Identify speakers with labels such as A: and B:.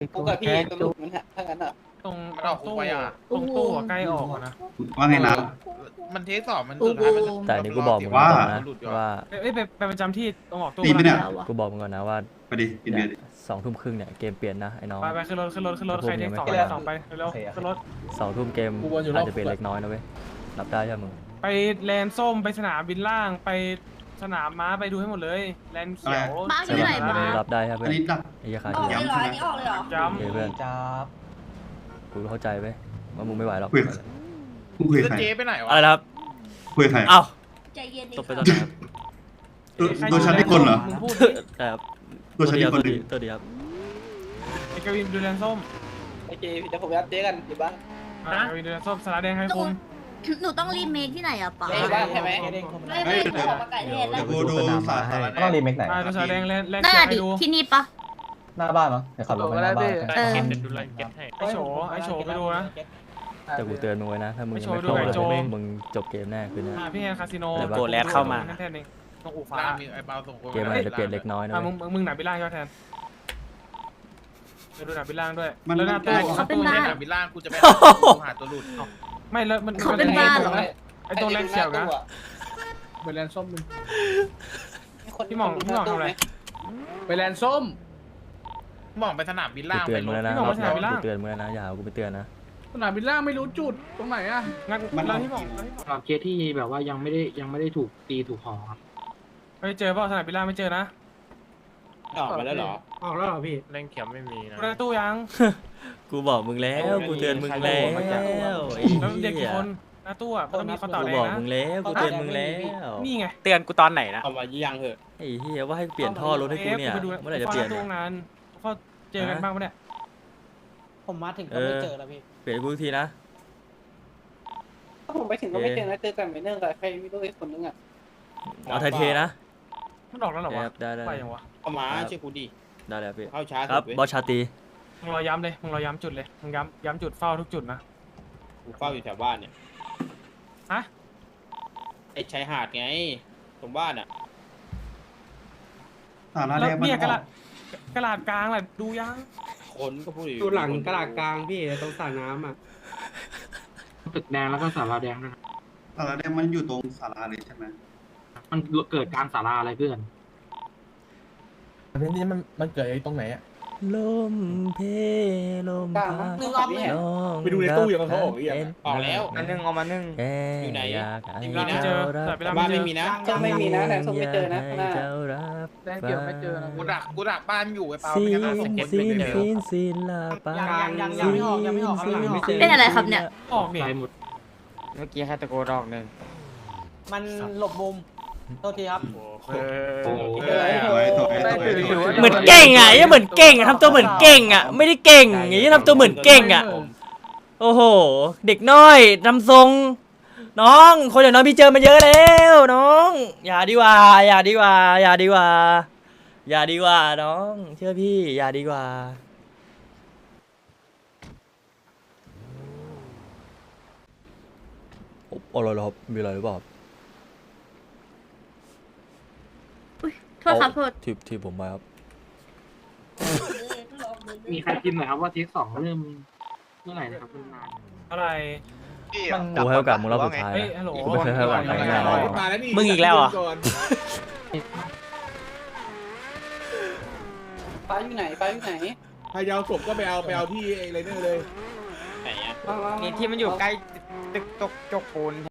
A: กูกับพี่ตำรวจมันฮะถ้างั้นอ่ะ
B: ตรง
C: มันออกคุกไปอ่ะ
B: ตรงตู้อะใกล้ออกอะนะ
D: ว่าไงนะ
C: มันเทสสอบมันสุดท้ายมัน
E: แต่อันนี้กูบอกมึง
D: ว่า
E: ก่อนนะว่า
B: เอ้ยไปประจำที่ตรงออกตู้
D: ตีไปเนี่ย
E: กูบอกมึงก่อนนะว่า
D: ไปดิกินเบียร์ดิ
E: 2 ทุ่มครึ่งเนี่ยเกมเปลี่ยนนะไอ้น้อง
B: ไปขึ้นรถใครเทคสอง
E: ไป
B: ไปสองไปเร็วขึ้นรถ
E: 2 ทุ่มเกมอาจจะเปลี่ยนเล็กน้อยนะเว้ยรับได้ใช่ไหมมึง
B: ไปแลนส้มไปสนามบินล่างไปสนามม้าไปดูให้หมดเลยแลนเขียว
F: บ้าอยู่ไหนบ้า
E: รับได้ใช่เพื่
D: อั
E: อน น
D: นี้ดัก
E: ไอ้ยาคา
F: ออก
E: ที่
F: เลยเหรออันนี้ออกเลยเหรอ
B: ย้
E: โอเคเพื่อน
G: จับ
E: กูเข้าใจเว้ยว่ามึงไม่ไหวหรอก
D: มึงคุย
C: แล้
D: กับ
C: ว
D: ใคร
C: เจ๊ไปไหนวะ
E: อะไรนะครับ
D: คุยกับใคร
E: เอ้า
F: ใจเย็นดิ
E: ตบไปตอนไหนครับ
B: ำ
D: ตัวฉันที่คนเหรอ
B: มึงพูด
E: แต่ครับ
D: ตัวฉันที่คนหนึ่ง
E: ตัวเดียว
B: ไอ้กวินดูแลนส้ม
A: โอเคเดี๋ยวผมรับเจ๊กันอยู่บ้าน
B: กวินดูแลนส้มสาระแดงให้
F: หนู
B: คุม
F: หนูต้องรีเมคที่ไหนอะป๋า
A: เจ๊บ้านใช่ไหม
F: ไม่ไม่หนูขอมาไก่เทศแล้ว
D: เดี๋ยวกูดูสารอะไร
G: ต้องรีเมคไหน
B: ดูสาระแดงแลน
F: น่า
B: เขียว
F: ดิ
B: ให้ดู
F: ที่นี่ปะ
G: หน้าบ้านเนาะเดี๋ยวขับรถไปหน้าบ้าน
F: เออ
B: ไอโฉไปดูนะ
E: แต่กูเตือนมึงไว้นะถ้ามึง
B: ไม่
E: ยัง
B: โชว์
E: ไม่
B: ดู
E: เข้า
B: ไก่โจ
E: เลยมึงจบเกมแน่คืนนี้
B: พี่แอนคาสิโน
E: โกแลดเข้ามา
B: แทนเองตรงอู่ฟ้า
C: ล่างมีไอ้เปาส่งคน
E: เกมอาจจะเปลี่ยนเล็กน้อยนะเว้ย
B: มึงหนาบิล่างใช่ไหมแทนไปดูหนาบิล่างด้วย
D: มัน
B: แล้วหน้าตู้
F: เขาเป็นบ้า
C: สนามบินล่างกูจะไปหาตัวหลุด
B: ไม่แล้วมัน
F: เขาเป็นบ้าเหรอ
B: ไอตัวแลนเขียวนะ
H: ไปแลนส้มมึง
B: พี่หม่องทำอะไร
H: ไปแลนส้ม
C: มองไปสนามบิน
E: กู
C: ล่าง
E: เตื
C: ไป
E: อน
C: ร
E: มึง
C: ถ
E: แล้วนะ
B: พี่หม่องมาสนามบินล่าง
E: กูเตือนมึงแล้วนะอย่าเอากูไปเตือนนะ
H: สนามบินล่างไม่รู้จุดตรงไหนอะ
B: งั้นแล้วพี่หม่อง
H: เคสที่แบบว่ายังไม่ได้ถูกตีถูกห่อครับ
B: ไปเจอเปล่าสนามบินล่างไม่เจอนะ
A: ออกมาแล้วเหรอ
H: ออกแล้วเหรอพี่
C: เล่นเขียวไม่มีนะ
B: ดูในตู้ยัง
E: กูบอกมึงแล้วกูเตือนมึงแล้วไอ้
B: แล้วเด็ก
E: เหี้
B: กี่
E: ย
B: คนหน้าตู้อ่ะมันต้องมีคำตอบ
E: กู
B: แด
E: บ
B: ง
E: อก
B: นะ
E: มึงแล้วกูเตือนมึงแล้ว
B: นี่ไง
I: เตือนกูตอนไหนนะ
A: เอามายังเหอะ
E: ไอ้เหี้ยว่าให้เปลี่ยนท่อรถให้กูเนี่ย
B: ไปดู
E: เมื่อไหร่จะเปลี่ยน
B: ตู้งานเขาเจอกันบ้างปะเนี่ย
A: ผมมาถึงก็ไม่เจอแล้วพี่
E: เปลี่ยนให้กูทีนะ
A: ถ้าผมไปถึงก็ไม่เจอนะเจอแต่ไม่เนื่องกับใครไม่รู้ไอ้คนนึงอ่ะ
E: เอาไทยเทนะ
B: มันออกแล้วเหรอวะ
E: ได้ได้
B: ไปยังวะ
A: เอามาเชื่อกูดิ
E: ได้แล้วพี่
A: เข้าช้า
E: ครับบอสชาตรี
B: มึงรอย้ำเลยมึงรอย้ำจุดเลยมึงย้ำจุดเฝ้าทุกจุดนะ
A: กูเฝ้าอยู่แถวบ้านเนี่ย
B: ฮะ
A: ไอ้ชายหาดไงตรงบ้านอ่ะ
D: สาร
B: แล้
D: แร
B: ว
D: กมัน
B: เนี่ยกระ
D: อ
B: ดา
D: อ
B: ษ
D: ก
B: กระดาษกลางแหละดูยัง
A: คนก็พูดอยู่
H: อยู่หลังกระดาษกลางพี่ตรงสระน้ำอ่ะตึกแดงแล้วก็ศาลาแดงด้วยนะ
D: สารแรกมันอยู่ตรงสาราเลยใช่ไหม
H: มันเกิดกลางศาลาอะไรเพื่อน
G: เพลงนี้มันเกิดตรงไหนอ่ะ
E: ลมเพลม
A: กลาง
E: พัด
A: นึกออกไหม
G: ไปดูในตู้ยังเขาออกหรือยัง
A: ออกแล้ว
I: อันนึงเอามานึ่ง
A: อยู่ไหน
B: ไม่เจอแต่เวลา
A: บ้าน
B: ไม่
A: ไม่
B: เจ
A: มี
B: อ
A: นะก็ไม่มีนะแต่ส้มไม่เจอนะข้างหน้า
E: เจ้ารับ
H: แดงเกี่ยวไม่เจอนะ
C: กูดักบ้านอยู่ไอ้เปา
E: ซี
C: ไม่งั้น
E: น
C: ส่งคน
E: ซี
C: ไป
E: น
C: เจอ
E: ซีนซีนลาปา
H: ยังไม่ออกข้างหลังไม่เจอ
F: เป็นอะไรครับเนี่ย
B: ออกเนี่ย
H: ตายหมด
I: เมื่อกี้แค่ตะโกนออกหนึ่ง
A: มันหลบมุมโทษทีครับ
E: เหมือนเก่งอ่ะยังเหมือนเก่งอ่ะทำตัวเหมือนเก่งอ่ะไม่ได้เก่งอย่างนี้ทำตัวเหมือนเก่งอ่ะโอ้โหเด็กน้อยทำทรงน้องคนอย่างน้องพี่เจอมาเยอะแล้วน้องอย่าดีกว่าอย่าดีกว่าอย่าดีกว่าอย่าดีกว่าน้องเชื่อพี่อย่าดีกว่าอะไรเหรอครับมีอะไรหรือเปล่า
F: โทษครับโทษ
E: ที่ผมมาครับ
H: มีใครพิมพ์หน่อยครับว่าเทคสองเริ่มเมื่อไหร่นะครับนาน
B: อะไร
E: กูให้โอกาสมึงรอบสุดท้าย
B: เฮ้ย
E: นะ
B: ฮัลโหล
E: กูไม่เคยให้โอกาสใครง่ายๆเลย
I: มึงอีกแล้วเหรอ่ะ
A: ป้าอยู่ไหนป้าอยู่ไหน
G: ใครจะเอาศพก็ไปเอาที่ไอ้ไรเนอร์เลย
A: ไหนอ่ะ
I: นี่ที่มันอยู่ใกล้ตึกตกจกปูน